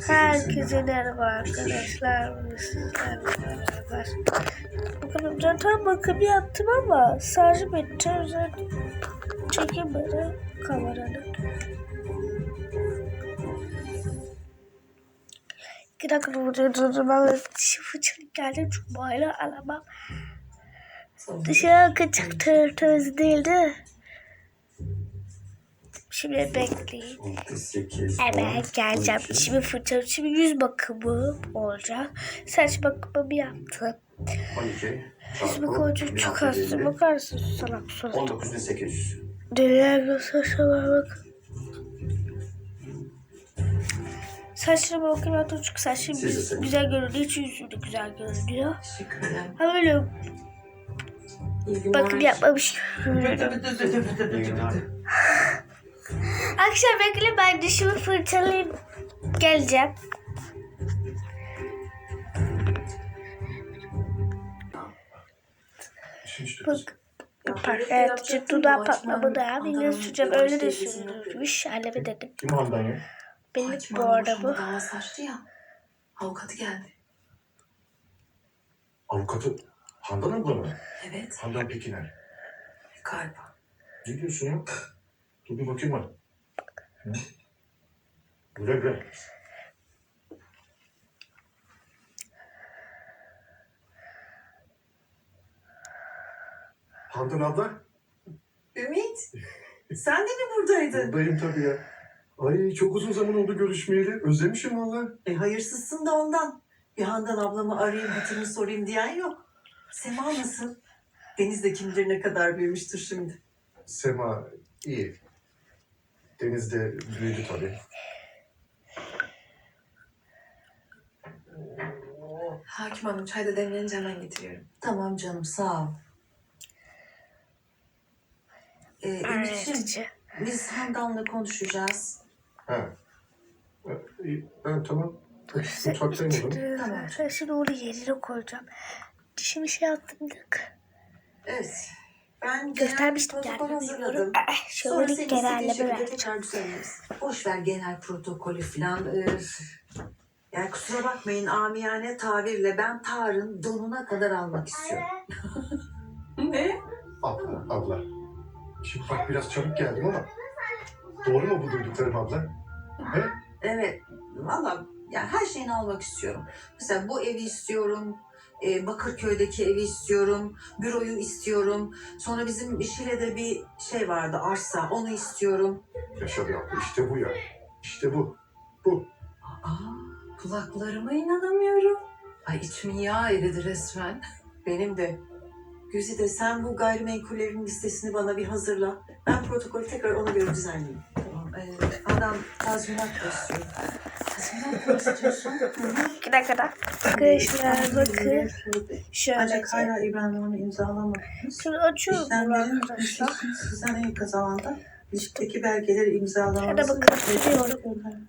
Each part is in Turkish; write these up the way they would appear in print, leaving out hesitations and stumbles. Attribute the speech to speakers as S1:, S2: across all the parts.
S1: Herkese merhaba arkadaşlar. Sizlerle beraber. Bakın zaten bakım yaptım ama şarjı bitti. Çekemedi kameranın. 2 dakika durdurdum. Ben dişi fırçalık geldim. Cuma'yla alamam. Dışarı kaçık temiz değildi. Şimdi bekleyin. Hemen geleceğim. Şimdi fırçalı. Şimdi yüz bakımı olacak. Saç bakımı yaptım.
S2: 12
S1: Yüz bakımı çok az. Bakarsın salak surat.
S2: 19.800.
S1: Neler saçlarıma bak. Saçlarıma bakayım hatta çünkü saçlarım güzel görünüyor. Hiç yüzüm de güzel görünüyor.
S3: Teşekkür ederim.
S1: Ha böyle bakım yapmamış. Akşam bekle ben dişimi fırçalayıp geleceğim. Bak. Evet, dudağı patlamadı ya. Yine süreceğim. Öyle de sürülmüş. Halime dedim.
S2: Kim Handan ya?
S1: Benim bu arada bu.
S3: Dava açtı ya. Avukatı geldi.
S2: Avukatı Handan abla mı?
S3: Evet.
S2: Handan Pekiner.
S3: Galiba.
S2: Ne diyorsun ya? Dur bir bakayım bana. Hı? Güle güle. Handan abla?
S3: Ümit. Sen de mi buradaydın?
S2: Buradayım tabii ya. Ay çok uzun zaman oldu görüşmeyeli. Özlemişim valla.
S3: Hayırsızsın da ondan. Bir Handan ablamı arayayım, hatırını sorayım diyen yok. Sema nasıl? Deniz de kim bilir ne kadar büyümüştür şimdi.
S2: Sema iyi. Deniz de büyüdü tabii.
S3: Hakim Hanım çay da demlenince hemen getiriyorum.
S4: Tamam canım, sağ ol. Ümit'ciğim, biz Handan'la konuşacağız.
S2: Ha. İyi. Ha, tamam. Mutfaktayım o zaman.
S4: Tamam.
S1: Ben şimdi onu yerine koyacağım. Dişimi şey yaptımdık.
S4: Evet. Ben
S1: Göstermiştim
S4: genel
S1: yani.
S4: protokol hazırladım.
S1: Şöyle
S4: Sonra
S1: bir
S4: senin
S1: genelleme
S4: istediğin şekilde
S1: vereceğim.
S4: tekrar düzenleriz. Boş ver genel protokolü falan. Yani kusura bakmayın, amiyane tabirle ben Tarık'ın donuna kadar almak istiyorum.
S3: Ne?
S2: Abla. Şimdi bak biraz çabuk geldim ama doğru mu bu duyduklarım abla? He?
S4: Evet. Valla yani her şeyini almak istiyorum. Mesela bu evi istiyorum. Bakırköy'deki evi istiyorum. Büroyu istiyorum. Sonra bizim Şile'de bir şey vardı, arsa. Onu istiyorum.
S2: Yaşa be abla işte bu ya. İşte bu. Bu.
S4: Kulaklarıma inanamıyorum.
S3: Ay içim yağ eridi resmen.
S4: Benim de. Güzide sen bu gayrimenkullerin listesini bana bir hazırla. Ben protokolü tekrar ona göre düzenleyeyim. Tamam. Adam tazminat da istiyor. Tazminat mı istiyorsun?
S1: 2 dakikada. Arkadaşlar bakın. Şöyle.
S4: Ancak hala İbrahim onu imzalamadınız.
S1: Şunu açıyorum bunu
S4: İşlemlerin
S1: arkadaşlar.
S4: sizden en kısa zamanda listteki belgeleri imzalamanızı...
S1: Hadi bakın, siliyorum.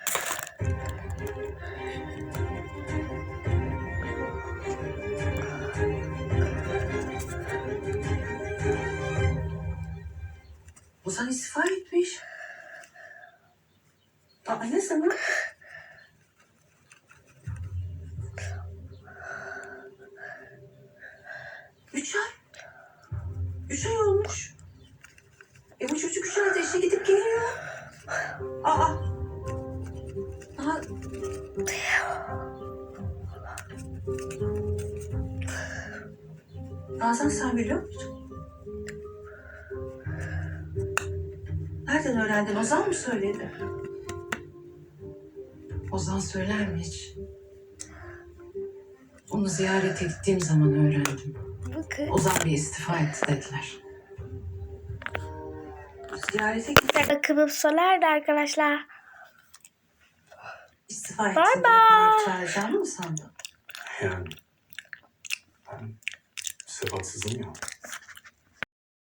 S4: Ozan istifa etmiş. Ne zaman? Üç ay olmuş. Bu çocuk 3 ayda işe gidip geliyor. Aa. Nazan sen biliyor musun? Nereden öğrendin? Ozan mı söyledi?
S3: Ozan söyler mi hiç? Onu ziyarete gittiğim zaman öğrendim.
S1: Bakın.
S3: Ozan bir istifa etti dediler.
S4: Ziyarete gitti.
S1: Bakımım sona erdi arkadaşlar.
S4: İstifa etti.
S1: Bye bye.
S4: Çağıracağını mı sandın?
S2: Yani ben sebatsızım ya.